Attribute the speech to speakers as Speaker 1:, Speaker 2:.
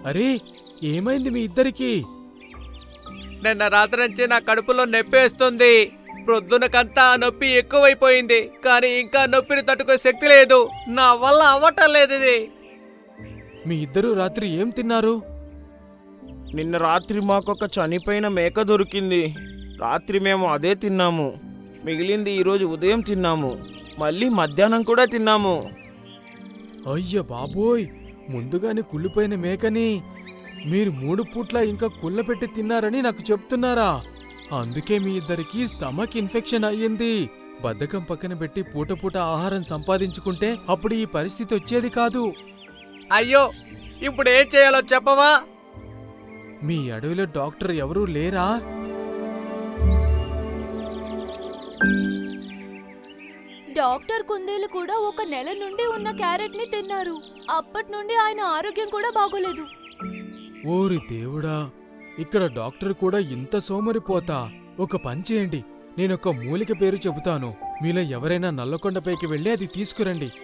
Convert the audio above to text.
Speaker 1: అరే, ఏమైంది మీ ఇద్దరికి?
Speaker 2: నిన్న రాత్రి నుంచి నా కడుపులో నొప్పేస్తుంది. ప్రొద్దునకంతా ఆ నొప్పి ఎక్కువైపోయింది, కానీ ఇంకా నొప్పిని తట్టుకునే శక్తి లేదు. నా వల్ల అవ్వటం లేదు ఇది.
Speaker 1: మీ ఇద్దరూ రాత్రి ఏం తిన్నారు?
Speaker 3: నిన్న రాత్రి మాకొక చనిపోయిన మేక దొరికింది. రాత్రి మేము అదే తిన్నాము. మిగిలింది ఈరోజు ఉదయం తిన్నాము. మళ్ళీ మధ్యాహ్నం కూడా తిన్నాము.
Speaker 1: అయ్య బాబోయ్, ముందుగానే కుళ్ళిపోయిన మేకని మీరు 3 పూట్ల ఇంకా కుళ్ళపెట్టి తిన్నారని నాకు చెప్తున్నారా? అందుకే మీ ఇద్దరికి స్టమక్ ఇన్ఫెక్షన్ అయ్యింది. బద్ధకం పక్కన పెట్టి పూట పూట ఆహారం సంపాదించుకుంటే అప్పుడు ఈ పరిస్థితి వచ్చేది కాదు.
Speaker 2: అయ్యో, ఇప్పుడు ఏం చేయాలో చెప్పవా?
Speaker 1: మీ అడవిలో డాక్టర్ ఎవరూ లేరా?
Speaker 4: డాక్టర్ కుందేలు కూడా 1 నెల నుండి ఉన్న క్యారెట్ ని తిన్నారు. అప్పటి నుండి ఆయన ఆరోగ్యం కూడా బాగోలేదు.
Speaker 1: ఓరి దేవుడా, ఇక్కడ డాక్టర్ కూడా ఇంత సోమరిపోతా? ఒక పని చేయండి, నేనొక మూలిక పేరు చెబుతాను. మీలో ఎవరైనా నల్లకొండపైకి వెళ్ళి అది తీసుకురండి.